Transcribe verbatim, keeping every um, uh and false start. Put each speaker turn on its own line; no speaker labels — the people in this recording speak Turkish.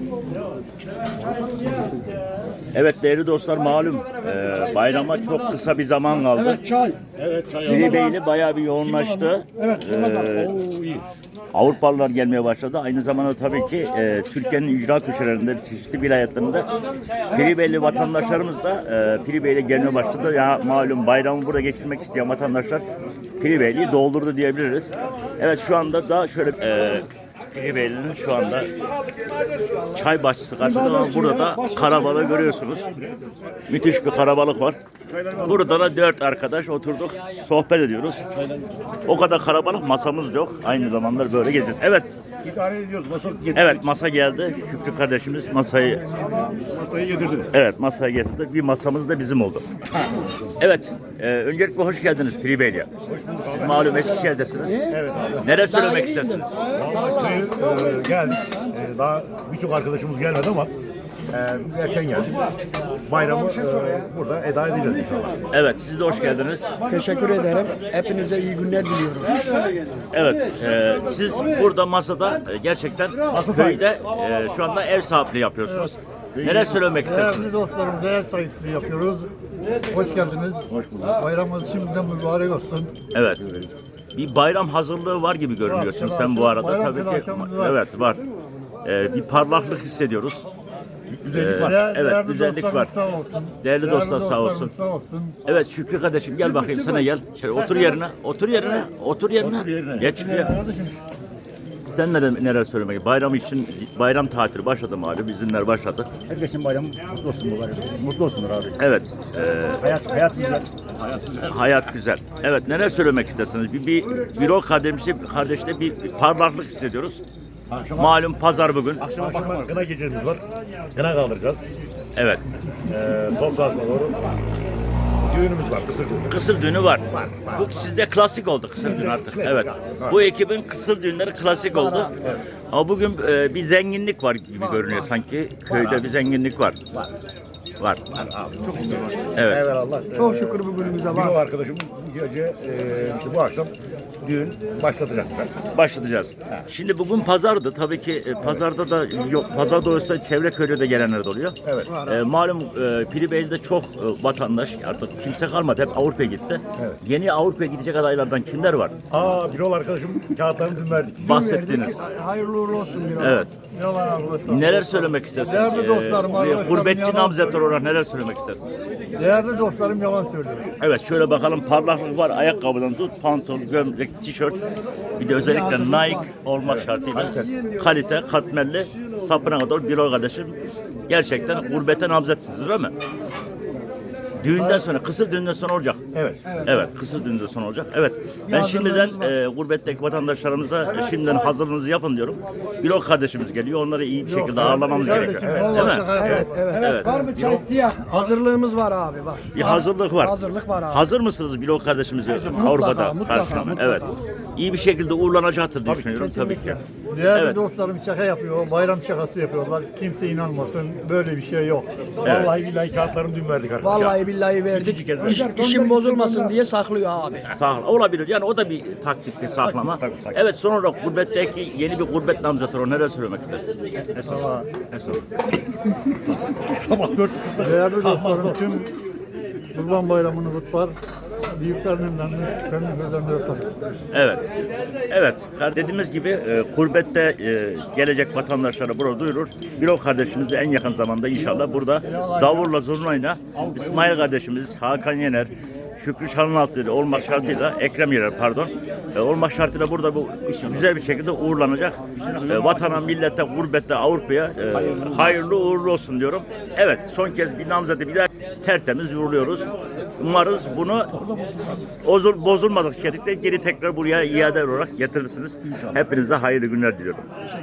Evet değerli dostlar, malum e, bayrama çok kısa bir zaman kaldı.
Evet çay.
Piribeyli bayağı bir yoğunlaştı.
Evet.
Ee, Avrupalılar gelmeye başladı. Aynı zamanda tabii ki e, Türkiye'nin ücra köşelerinde, çeşitli vilayetlerinde Piribeyli vatandaşlarımız da e, Piribeyli'ye gelmeye başladı. Ya malum bayramı burada geçirmek isteyen vatandaşlar Piribeyli'yi doldurdu diyebiliriz. Evet şu anda da şöyle e, Piribeyli'nin şu anda çay bahçesi karşısında ama burada da karabalığı görüyorsunuz. Müthiş bir karabalık var. Burada da dört arkadaş oturduk, sohbet ediyoruz. O kadar karabalık, masamız yok. Aynı zamanda böyle gezeceğiz. Evet.
İdare ediyoruz. Masa getirdik.
Evet, masa geldi. Şükrü kardeşimiz masayı
Masayı getirdi.
evet masaya getirdi. Bir masamız da bizim oldu. Evet. E, öncelikle hoş geldiniz Piribeyli'ye. Siz malum Eskişehir'desiniz.
Evet abi.
Neler söylemek istersiniz?
Vallahi e, geldik. E, daha birçok arkadaşımız gelmedi ama e, erken geldik. Bayramı e, burada eda edeceğiz inşallah.
Evet, siz de hoş geldiniz.
Teşekkür ederim. Hepinize iyi günler diliyorum.
Evet, e, siz burada masada e, gerçekten köyde e, şu anda ev sahipliği yapıyorsunuz. Neler söylemek istersiniz?
Değerli dostlarımıza ev sahipliği yapıyoruz. Hoş geldiniz. Hoş bulduk. Bayramımız şimdiden mübarek olsun.
Evet. Bir bayram hazırlığı var gibi görünüyorsun
Var,
sen bu arada
bayram
tabii ki.
telaşımız var.
Evet, var. E, bir parlaklık hissediyoruz.
Güzellik var.
Evet,
Değerli
güzellik
dostlarımız
var.
Sağ olsun.
Değerli dostlar sağ
dostlarımız
olsun.
Sağ olsun.
Evet Şükrü kardeşim gel bakayım sana gel. Şöyle otur yerine, otur yerine, otur yerine. Geç şuraya. Sen neler, neler söylemek? Bayram için bayram tatili başladı mı abi? Izinler başladı.
Herkesin bayramı mutlu olsun bu bayram. Mutlu olsunlar abi.
Evet. E,
Hayat, hayat güzel. Hayat güzel.
hayat güzel. Evet neler söylemek istersiniz? Bir, bir büro kardeşi, kardeşle bir, bir parlaklık hissediyoruz.
Akşama,
Malum pazar bugün.
akşama, akşama gına gecemiz var. Gına kaldıracağız.
Evet.
E, top sahasına doğru. Düğünümüz var, kısır düğünü.
Kısır düğünü var. Bu sizde klasik oldu kısır düğün artık.
Klasik
Evet.
abi, evet.
Bu ekibin kısır düğünleri klasik oldu. Ama bugün e, bir zenginlik var gibi görünüyor sanki. Köyde bir zenginlik var.
Var.
Var.
Abi çok şükür var.
Evet.
Evet Allah.
Çok şükür bugünümüze
Bir
var.
o arkadaşım bu gece e, işte bu akşam düğün başlatacaklar.
Başlatacağız. Şimdi bugün pazardı. Tabii ki e, pazarda da yok. Pazarda olsa çevre köyde de gelenler de oluyor.
Evet.
E, malum e, Piribeyli'de çok e, vatandaş artık kimse kalmadı. Hep Avrupa'ya gitti.
Evet.
Yeni Avrupa'ya gidecek adaylardan kimler var?
Aa bir ol arkadaşım kağıtlarını dün verdik.
Bahsettiniz.
Hayırlı uğurlu olsun bir an.
Evet.
Yalan arkadaşlar.
Neler söylemek istersiniz?
Değerli dostlarım,
Ee,
arkadaşlarım,
gurbetçi
yalan
namzetler olarak neler söylemek istersin?
Değerli dostlarım yalan söylüyor.
Evet şöyle bakalım, parlaklık var ayakkabıdan tut, pantolon, gömlek, tişört. Bir de özellikle Nike olmak şartıyla kalite, katmerli, sapına kadar bir o kardeşim. Gerçekten gurbete namzetsiniz değil mi? Düğünden sonra, kısır düğünden sonra olacak.
Evet.
Evet, kısır düğünden sonra olacak. Evet, ben şimdiden e, gurbetteki vatandaşlarımıza e, şimdiden hazırlığınızı yapın diyorum. Bilok kardeşimiz geliyor, onları iyi bir şekilde ağırlamamız gerekiyor.
Kardeşim,
Değil
vallahi
mi?
şaka yapıyorum.
Evet, evet.
Evet.
Var mı çay diye? Hazırlığımız var abi bak.
Bir hazırlık var.
Hazırlık var abi.
Hazır mısınız Bilok kardeşimizi Avrupa'da
mutlaka,
karşılamaya?
mutlaka.
Evet. İyi bir şekilde uğurlanacaktır diye düşünüyorum tabii ki.
Değerli
Evet.
dostlarım şaka yapıyor. Bayram şakası yapıyorlar. Kimse inanmasın. Böyle bir şey yok.
Vallahi billahi kağıtlarını dün verdik arkadaşlar.
Vallahi billahi verdik.
İkinci kez
İş, işin bozulmasın diye saklıyor abi.
Sağ olabilir. Yani o da bir taktikti saklama.
Tabii, tabii.
Evet son olarak gurbetteki yeni bir gurbet namzatı o neler söylemek istersin?
Hesaba, hesaba. Sabah dört buçukta.
Değerli dostlarım tüm Kurban Bayramı'nı kutlar. Büyüklerinin önünü, küçüklerinin gözlerini öper.
Evet. Evet. Dediğimiz gibi e, gurbette e, gelecek vatandaşlara burada duyurur. Bilok kardeşimiz de en yakın zamanda inşallah burada davulla zurnayla İsmail kardeşimiz, Hakan Yener, Şükrü Çalınaltı olmak şartıyla, Ekrem Yener pardon, e, olmak şartıyla burada bu güzel bir şekilde uğurlanacak. E, vatana, millete, gurbette, Avrupa'ya e, hayırlı uğurlu olsun diyorum. Evet, son kez bir namzeti bir daha tertemiz uğurluyoruz. Umarız bunu bozul, bozulmadık şekilde geri tekrar buraya iade olarak getirirsiniz. Hepinize hayırlı günler diliyorum.